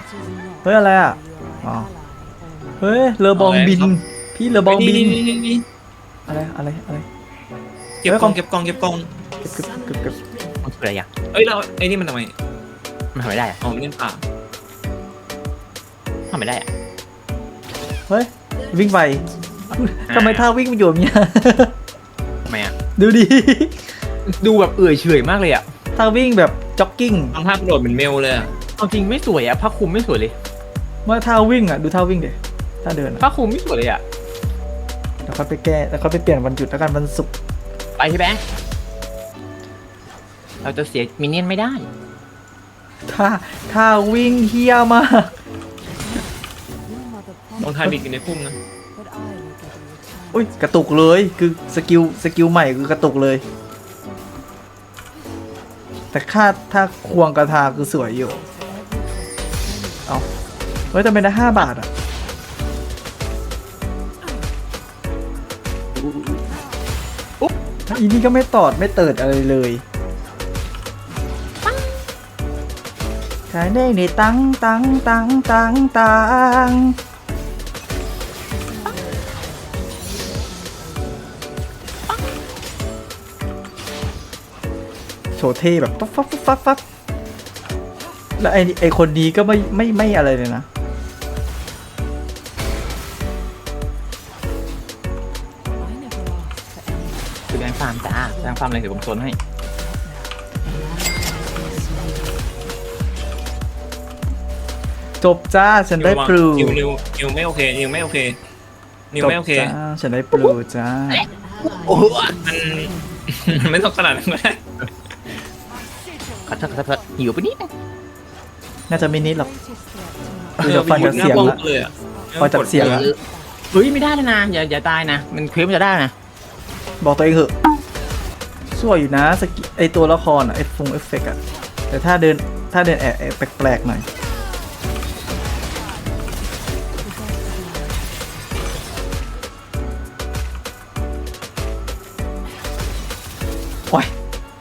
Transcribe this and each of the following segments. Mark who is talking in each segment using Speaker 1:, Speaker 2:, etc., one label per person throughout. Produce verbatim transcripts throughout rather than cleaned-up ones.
Speaker 1: เฮ้ยอะไรอ่ะอ๋อเฮ้ยเรือบองบินพี่เรือบองบินอะไรอะไรอะไร
Speaker 2: เก็บกองเก็บกองเก็บกอง
Speaker 1: เก็บเก็บเก็บเก็บ
Speaker 3: มันคืออะไรอ่ะ
Speaker 2: เอ้ยเราไอ้นี่มันทำไม
Speaker 3: มันทำไม่ได้อ่ะ
Speaker 2: อ๋อมันเล่นป่า
Speaker 3: ทำไม่ได้อ่ะ
Speaker 1: เฮ้ยวิ่งไปทำไมท่าวิ่งมันอยู่แบบเนี้ย
Speaker 3: ทำไมอ่ะ
Speaker 1: ดูดิ
Speaker 3: ดูแบบเอื่อยเฉยมากเลยอ่ะ
Speaker 1: ท่าวิ่งแบบจ็อกกิ้ง
Speaker 2: ทำท่ากระโดดเป็นเมลเลยอะ
Speaker 3: เอาจริงไม่สวยอ่ะผ้าคลุมไม่สวยเลย
Speaker 1: เมื่อท่าวิ่งอ่ะดูท่าวิ่งเดี๋ยท่าเดินอะ
Speaker 3: ผ้าคลุมไม่สวยเลยอ่ะ
Speaker 1: เดี๋ยวค่อยไปแก้แล้วค่อยไปเปลี่ยนวันหยุดแล้วกันวันศุกร์
Speaker 3: ไปพี่แบงค์เราจะเสียมินเนี่ยนไม่ได้
Speaker 1: ท่าท่าวิ่งเฮี้ยมาก
Speaker 2: ลองทายบิดกันในพุ่มนะ
Speaker 1: อุ้ยกระตุกเลยคือสกิลสกิลใหม่คือกระตุกเลย แต่ค่าถ้าควงกระทาคือสวยอยู่เอาเฮ้ยแต่เป็นได้ห้าบาทอ่ะอุ๊บอีนี่ก็ไม่ตอดไม่เติดอะไรเลยขายได้ในตังตังตังตังตังโชว์เท่แบบปั๊บปั๊บปั๊บปั๊บปั๊บแล้วไอ้ไอ้คนนี้ก็ไม่ไม่ไม่อะไรเลยนะ
Speaker 3: คือแบงค์ฟาร์มจ้าแบงค์ฟาร์มอะไรเดี๋ยวผมโซนให้
Speaker 1: จบจ้าฉันได้ปลู
Speaker 2: นิวนิวนิวไม่โอเคนิวไม่โอเคนิว
Speaker 1: จบ
Speaker 2: ไม่โอเค
Speaker 1: จ้าฉันได้ปลูจ้า
Speaker 3: โอ้โห
Speaker 2: มันไม่ต้องขนาดนั้นก็ได้
Speaker 3: ขอโทษขอโทษหิวไปนิดนึง
Speaker 1: น่าจะไม่นิดหรอก ดูจากฟังจากเสียงละ
Speaker 2: เลยอะ
Speaker 1: ฟังจากเสียงละ
Speaker 3: เฮ้ยไม่ได้เลยนะอย่าอย่าตายนะมันเคลิ้มจะได้นะ
Speaker 1: บอกตัวเองเหอะสวยอยู่นะสกิไอตัวละครอะไอฟงเอฟเฟกต์อะแต่ถ้าเดินถ้าเดินแอบแอบแปลกๆหน่อยโอ้ย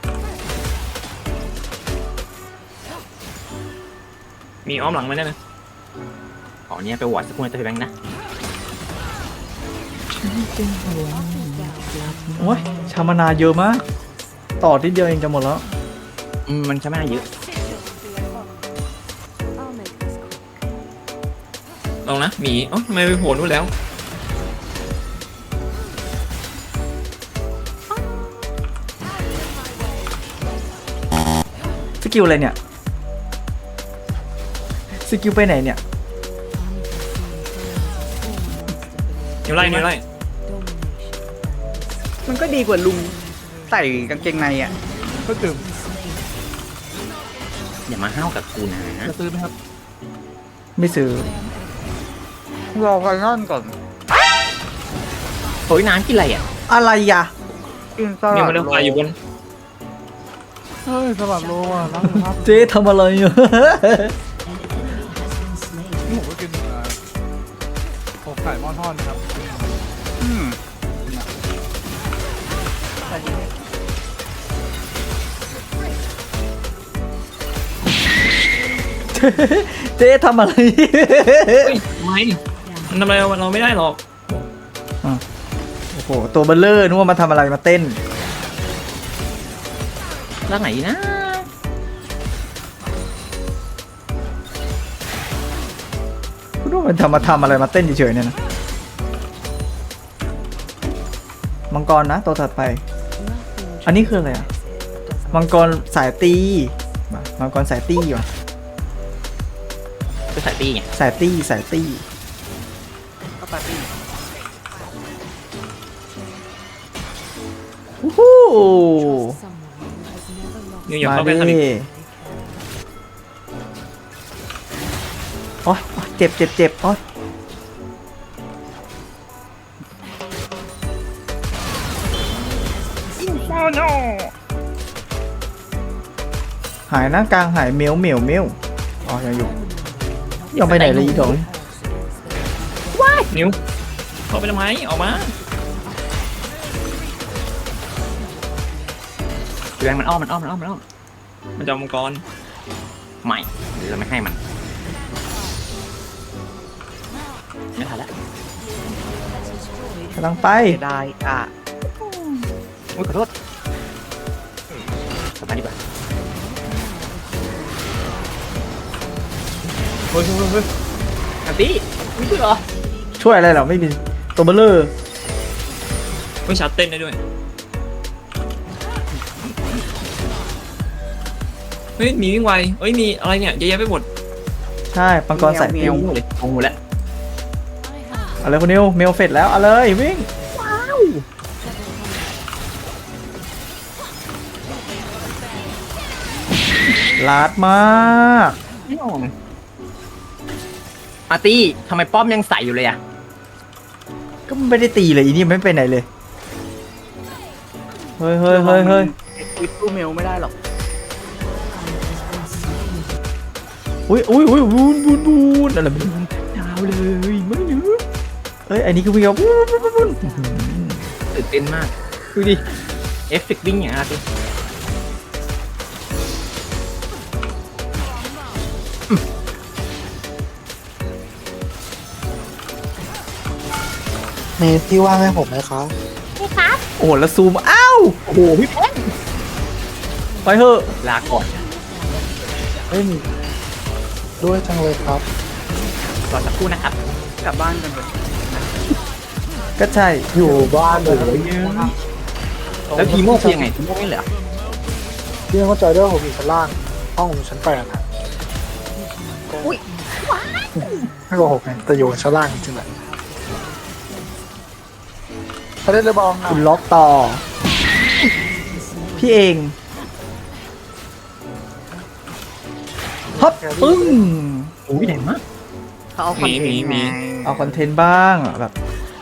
Speaker 2: มีอ้อมหลังไหมเนี่ยนะ
Speaker 3: ขอเนี้ยไปวอดสักคนจะไปแบงค์นะ
Speaker 1: โอ้ยชามานาเยอะมาก ต่อที่เดียวเองจะหมดแล้ว
Speaker 3: อืมมันใช้ไม่ได้เยอะ
Speaker 2: ลองนะหมีอ๋อทำไมไปโผล่นู่นแล้ว
Speaker 1: สกิลอะไรเนี่ย สกิลไปไหนเนี่ย
Speaker 2: นิวไล่นิวไล่
Speaker 4: มันก็ดีกว่าลุงใส่กางเกงในอ่ะก็คือ
Speaker 3: อย่ามาห้าวกับกูนะ
Speaker 4: จะซื้อไหมครับ
Speaker 1: ไม่ซื้อ
Speaker 4: รอไฟนอลก่อน
Speaker 3: โอ้ยน้ำกินอะไรอ่ะ
Speaker 1: อะไรยะ
Speaker 4: กินส
Speaker 2: นิว
Speaker 4: ลัด
Speaker 2: มาเล่นไฟอยู่บน
Speaker 4: เฮ้ยสลัดโลอ่ะนั่งครับ
Speaker 1: เจ๊ทำอะไรอยู่
Speaker 4: นี่ผมก็กินอกไก่หม้อทอดนะครับอืม
Speaker 1: เจ๊ทำอะไร
Speaker 2: เฮ้ยทำไมมันทำอะไรเราไม่ได้หรอก
Speaker 1: โอ้โห ตัวเบลเลอร์นึกว่ามาทำอะไรมาเต้น
Speaker 3: ร่างไหนนะ
Speaker 1: คุณว่ามันทำมาทำอะไรมาเต้นเฉยๆเนี่ยนะ มังกรนะตัวถัดไป อันนี้คืออะไรอ่ะ มังกรสายตีมามังกรสายตีว่ะ
Speaker 3: ก็ใส่ตีไง
Speaker 1: สายตีสายตี
Speaker 4: ก็ปาร์ตี้
Speaker 1: วู้ฮู้
Speaker 2: นิวอย่า
Speaker 1: มา
Speaker 2: เข้าไป
Speaker 1: ดิ
Speaker 2: ทางนี้
Speaker 1: โอ๊ยโอ๊ยเจ็บเจ็บเจ็บโอ๊ยหายนะกลางหายเมียวเมียวเมียวอ๋อยังอยู่ยังไปไหนเลยอีกดอก
Speaker 2: นิวเข้าไปทำไมออกมา
Speaker 3: แบงค์มันอ้อมมันอ้อมมันอ้อมมันอ้อม
Speaker 2: มันจะเอามังกร
Speaker 3: ไม่เดี๋ยวเราไม่ให้มันไม่ทันแล้ว
Speaker 1: กำลังไป
Speaker 3: ได้อ่ะโอ้ยขอโทษกลับมาดีกว่าเฮ้ยเฮ้ยเฮ้ยอันตี้ไม่ช่วยเหรอ
Speaker 1: ช่วยอะไรเหรอไม่มีตัวเบลเลอร์
Speaker 2: ไม่ชัดเต้นได้ด้วยเฮ้ยมีวิ่งไวเฮ้ยมีอะไรเนี่ยเยอะแยะไปหมด
Speaker 1: ใช่ปังกรสาย
Speaker 3: เมี
Speaker 1: ติ
Speaker 3: ยว
Speaker 1: ว
Speaker 3: เลยงงหมดแล้ว
Speaker 1: เอาเลยคุณนิวเมลเฟดแล้วเอาเลยวิ่งลาดมาก
Speaker 3: อาร์ตี้ทำไมป้อมยังใส่อยู่เลยอ่ะ
Speaker 1: ก็ไม่ได้ตีเลยอีนี่ไม่ไปไหนเลยเฮ้ยเฮ้ยเฮ้ยเฮ้ย
Speaker 3: วิดตู้เมลไม่ได้หรอก
Speaker 1: อุ้ยอุ้ยอุ้ยวูนวูนวูนอะไรไม่รู้ยาวเลยไม่รู้เอ้ยอันนี้คือวิ่งแบบวูนวูนวูน
Speaker 3: ตื่นเต้นมากดูดิเอฟเฟกต์วิ่งอย่างอาร์ตี้
Speaker 5: มีที่ว่างให้ผมไหมครับ
Speaker 1: โอ้โหแล้วซูมอ้าว
Speaker 3: โอ้โหพี่แพน
Speaker 1: ไปเถอะ
Speaker 3: ลาก่อน
Speaker 5: เฮ้ยมีด้วยจังเลยครับ
Speaker 3: รอสักครู่นะครับ
Speaker 4: กลับบ้านกันเลย
Speaker 1: ก็ใช่
Speaker 5: อยู่บ้านเลย
Speaker 3: แล้วทีโม่คือยังไงทีโม่ไม่เหรอ
Speaker 5: พี่เข้าใจด้วยว่าผมอยู่ชั้นล่าง ห้องผมอยู่ชั้นแปดนะไม่โกหกไงแต่อยู่ชั้นล่างจริงๆแหละไปเล่นเลยบอลนะ
Speaker 1: คุณล็อกต่อ พี่เองฮับปึ้ง
Speaker 3: โอ้ยแดงมาก
Speaker 4: เขาเอาคอนเทนต์ไง
Speaker 1: เอาคอนเทนต์บ้างอะแบบ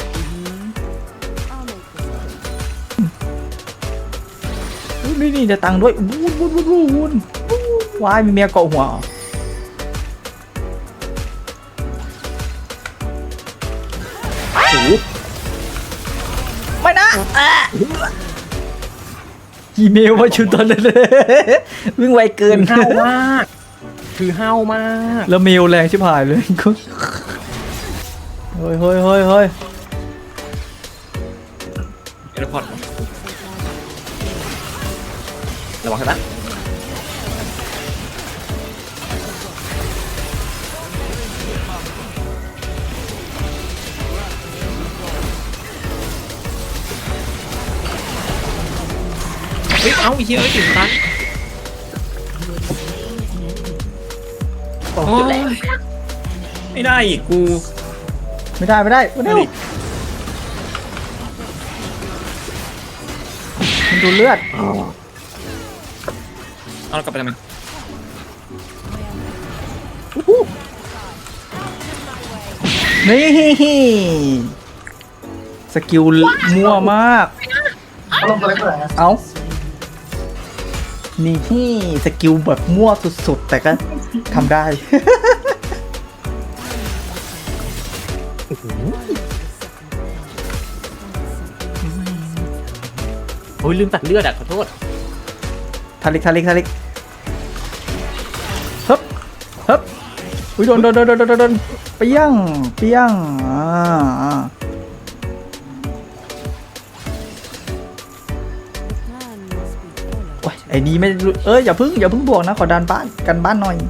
Speaker 1: อุ๊ยนี่นี่จะตังค์ด้วยวูนวูนวูนวูนวูนวายมีเมียเกาะหัวเหรอไม่นะอีเมลมาชุดตอนนั้นเลยวิ่งไวเกิน
Speaker 3: คือห้าวมากคือห้าวมาก
Speaker 1: แล้วเมลแรงชิบหายเลยเฮ้ยเฮ้ยเฮ้ยเฮ้ย
Speaker 2: เอร์พอร์ต
Speaker 3: ระวังครับ
Speaker 2: เฮ้ยเอ้าไอ้เหี้ยเอ้ยถึงตัน
Speaker 3: โอ้
Speaker 2: โอ้
Speaker 3: จุดแรก
Speaker 2: ยไม่ได้อีกกู
Speaker 1: ไม่ได้ไม่ได้ไม่ได้มันดูเลือด
Speaker 2: เอาเรากลับไปทำไม
Speaker 1: นี่สกิลมั่วมาก
Speaker 5: ลงตัวเล็กเลยนะ
Speaker 1: เอ้า นี่ที่สกิลแบบมั่วสุดๆ แต่ก็ทำได้
Speaker 3: โอ้ยลืมตัดเลือดอ่ะขอโทษ
Speaker 1: ทาริกทาริกทาริกฮึบฮึบอุ้ยโดนโดนโดนโดนโดนโดนเปี้ยงเปี้ยงอ่าอ่าโอ้ยไอ้นี่ไม่รู้เอ้ยอย่าพึ่งอย่าพึ่งบวกนะขอดันบ้านกันบ้านหน่อย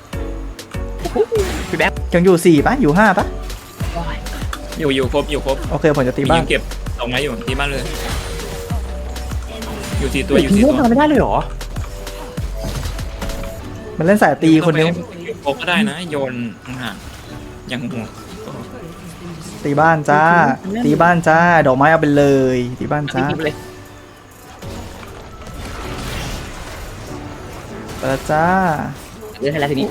Speaker 3: พี่แบ๊บ
Speaker 1: ยังอยู่สี่ปะอยู่ห้าปะ
Speaker 2: อยู่อยู่ครบอยู่ครบ
Speaker 1: โอเคผมจะตี
Speaker 2: มี
Speaker 1: บ้า
Speaker 2: ยิ
Speaker 1: น
Speaker 2: งเก็บสองไม้อยู่ตีบ้านเลย อยู่สี่ตัวอยู่
Speaker 3: ที
Speaker 2: สี่
Speaker 3: โม่
Speaker 2: ตัว
Speaker 3: ทำไม่ได้เลยเหรอ
Speaker 1: มันเล่นสายตีคนเดียว
Speaker 2: โก็ได้นะโยนห่างๆอย่างหัว
Speaker 1: ตีบ้านจ้า ตีบ้านจ้า ดอกไม้เอาไปเลย ตีบ้านจ้า
Speaker 3: ทิ้งไปเลย
Speaker 1: เปิดจ้า
Speaker 3: เลือกให้แล้วทีนี้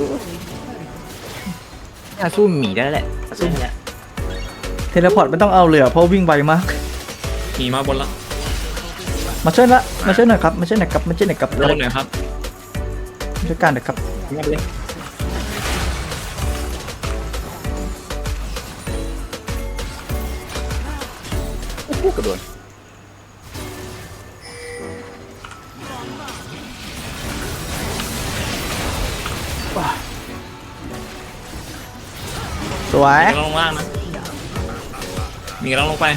Speaker 3: น่าสู้หมีได้แล้วแหละสู้ให้แล้ว
Speaker 1: เทเลพอร์ตไม่ต้องเอาเลยอะเพราะวิ่งไวมาก
Speaker 2: มีมาบนละ
Speaker 1: มาช่วยละมาช่วยหน่อยครับ มาช่วยหน่อยครับ มาช่วยหน่อยครับ
Speaker 2: โดนหน่อยครับ
Speaker 1: มาช่วยกันหน่อยครับ
Speaker 3: ทิ้งไปเลยโอ้โหกระโดด
Speaker 1: สวย
Speaker 2: ลงล่างนะมีกำลังลงไป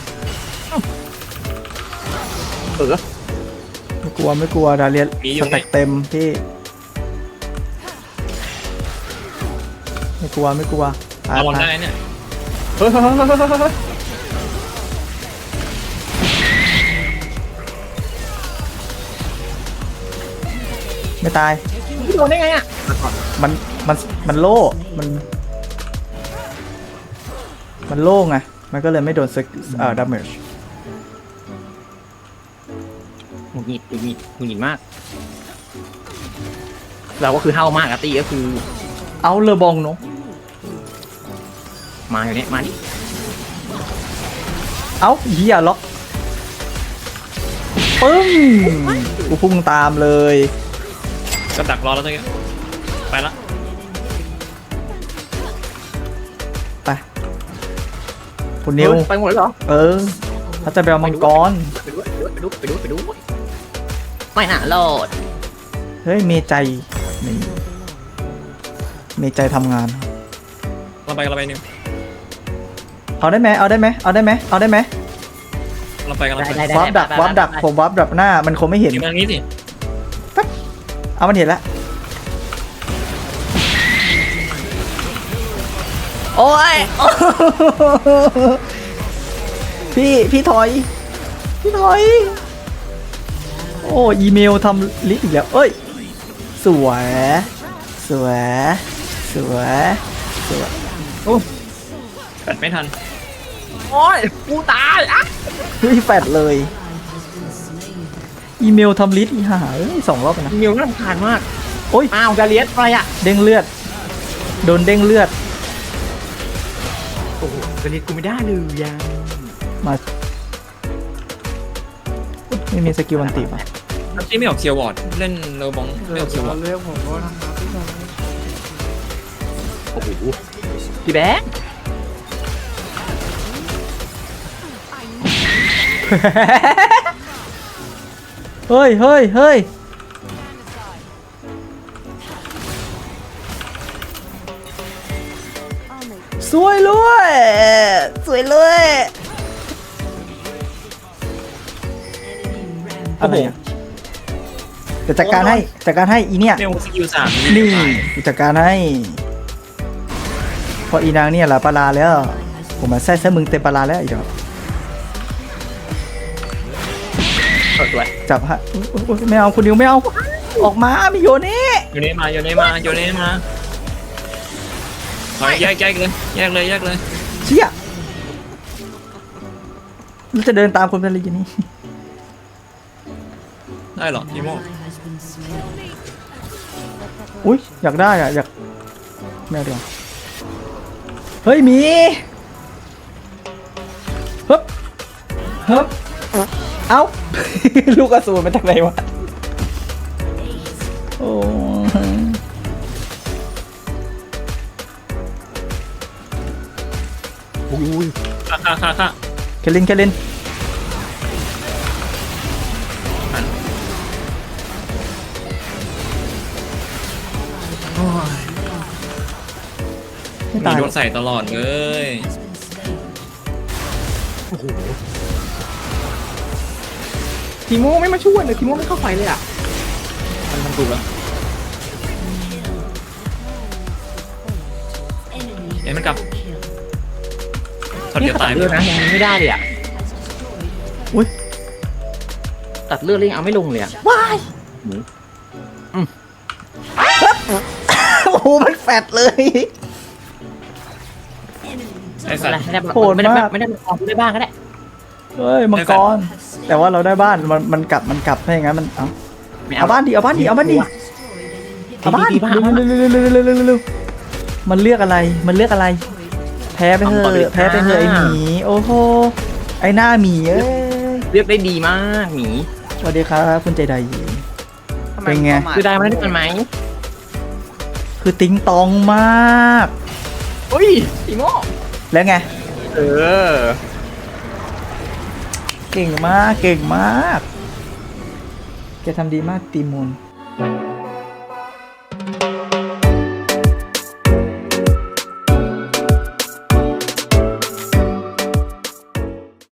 Speaker 3: เออ
Speaker 1: ไม่กลัวไม่กลัวดาเลียนสแต็กเต็มพี่ไม่กลัวไม่กลัวไป
Speaker 2: ระวัง
Speaker 1: ไป
Speaker 2: ได้เนี่ย
Speaker 3: เฮ้ยเฮ้ยเฮ้ยเฮ้ยเฮ้ยเฮ้ย
Speaker 1: ไม่ตาย
Speaker 3: โดนได้ไงอ่ะ
Speaker 1: มันมันมันโล่มันมันโล่ไงมันก็เลยไม่โดนสกเอ่อดาเมจ
Speaker 3: หงุดหงิดหงุดหงิดหงุดหงิดมาก เราก็คือเท่ามากอะตีก็คือ
Speaker 1: เอาเลอบองเนาะ
Speaker 3: มาอยู่เนี่ยมาดิ
Speaker 1: เอาเหี้ยล็อกปึ้งกูพุ่งตามเลย
Speaker 2: ก็ดักรอแล้วตะกี้ไปละ
Speaker 1: ไปคุณนิว
Speaker 3: ไปหมดแล้วเหรอ
Speaker 1: เออเขาจะไปเอามังกร
Speaker 3: ไปดูไปดูไปดูไปดูไปดูไม่น่าโลด
Speaker 1: เฮ้ยเมใจนี่เมใจทำงาน
Speaker 2: เราไปกันเราไปนิว
Speaker 1: เอาได้ไหมเอาได้ไหมเอาได้ไหมเอาได้ไหม
Speaker 2: เราไปกันเรา
Speaker 3: ได้
Speaker 2: ไป
Speaker 3: ได้ได้
Speaker 1: วับดักวับดักผมวับดักหน้ามันคงไม่เห็น
Speaker 2: เดี๋ยวมาทางนี้สิ
Speaker 1: เอามันเห็นแล้วโอ้ย พี่พี่ถอย พี่ถอย โอ้อีเมลทำลิสต์อีกแล้วเอ้ยสวยสวยสวยสวย
Speaker 2: แปดไม่ทัน
Speaker 3: โอ้ยกูตายอ่ะ
Speaker 1: เฮ้ยแฟดเลย อีเมลทำลิสต์อีห่าเอ้ยสองรอบแล้วนะ
Speaker 3: มิวน่ารำคาญมาก
Speaker 1: โอ้ย
Speaker 3: อ้าวดาเลียสอะไรอ่ะ
Speaker 1: เด้งเลือด โดนเด้งเลือด
Speaker 3: โอ้โหดาเลียสกูไม่ได้เลยยัง
Speaker 1: มาไม่มีสกิลวันติป่ะ
Speaker 2: ที่ไม่ออกเคียววอร์ดเล่นเรอบองไม่ออกเคียววอร์ด
Speaker 4: เรียกผมว่าทำงานที่ไหน
Speaker 3: โอ้โหพี่แบงค์
Speaker 1: เฮ้ยเฮ้ยเฮ้ยสวยเลยสวยเลยอะไรอ่ะจะจัดการให้จัดการให้อีเนี่ย
Speaker 2: เมลสกิลสาม
Speaker 1: นี่กูจัดการให้เพราะอีนางเนี่ยแหละปลาลาแล้ว ผมมาแซ่แซ่มึงเต็มปลาลาแล้วอีกแล้ว
Speaker 3: สวย
Speaker 1: จับฮะอุ๊ยอุ๊ยอุ๊ยไม่เอาคุณนิวไม่เอา ออกมาไม่โยนนี่
Speaker 2: โยนเนมาโยนเนมาโยนเนมาถอยแยกแยกเลยแยกเลยแยกเลย
Speaker 1: เชี่ยแล้วจะเดินตามคนเป็นอะไรอย่างนี้
Speaker 2: ได้เหรออีโม
Speaker 1: อุ้ยอยากได้อ่ะอยากแมวเดียวเฮ้ยหมีฮึบฮึบเอ้า ลูกอสูรมาจากไหนวะโอ้ย
Speaker 3: อุ้ย
Speaker 2: ค่ะค่ะค่ะค่ะ
Speaker 1: เคลินเคลินไม่
Speaker 2: มี
Speaker 1: ตาย
Speaker 2: โดนใส่ตลอดเลย
Speaker 3: โอ้โหทีโม่ไม่มาช่วยเลยทีโม่ไม่เข้าไฟเลยอ่ะ
Speaker 2: มันทำถูกแล้วเอ็นมันกลับช็อต
Speaker 3: นี่
Speaker 2: เดียว
Speaker 3: ตั
Speaker 2: ตา
Speaker 3: ด
Speaker 2: ย
Speaker 3: เลือดนะยังไม่ได้เลยอ่ะ
Speaker 1: อุ้ย
Speaker 3: ตัดเลือดเลยยังเอาไม่ลงเลยอ่ะ
Speaker 1: ว้ายโอ้โหมันแฟดเลย
Speaker 2: ไอ้สัตว์
Speaker 3: ไม่ได้
Speaker 1: โหด
Speaker 3: ไม่ได้
Speaker 1: มาก
Speaker 3: ไม่ได้ออกได้บ้างก็ได้
Speaker 1: เฮ้ยมังกรแต่ว่าเราได้บ้านมันมันกลับมันกลับถ้าอย่างนั้นมันเอา
Speaker 3: ไม่
Speaker 1: เอาบ้านดิเอาบ้านดิเอาบ้านดิเอาบ้าน
Speaker 3: ดีๆบ้าน
Speaker 1: เร็วเร็วเร็วเร็วเร็วเร็วเร็วมันเลือกอะไรมันเลือกอะไร แพ้ไปเถอะแพ้ไปเถอะไอหมีโอ้โหไอหน้าหมีเอ้ย
Speaker 3: เลือกได้ดีมากหมี
Speaker 1: สวัสดีครับคุณใจใดเป็นไง
Speaker 3: คือได้มาได้กันไหม
Speaker 1: คือติ๊งตองมาก
Speaker 3: เฮ้ยทีโม่
Speaker 1: แล้วไง
Speaker 3: เออ
Speaker 1: เก่งมากเก่งมากแกทำดีมากตีมูล
Speaker 3: เ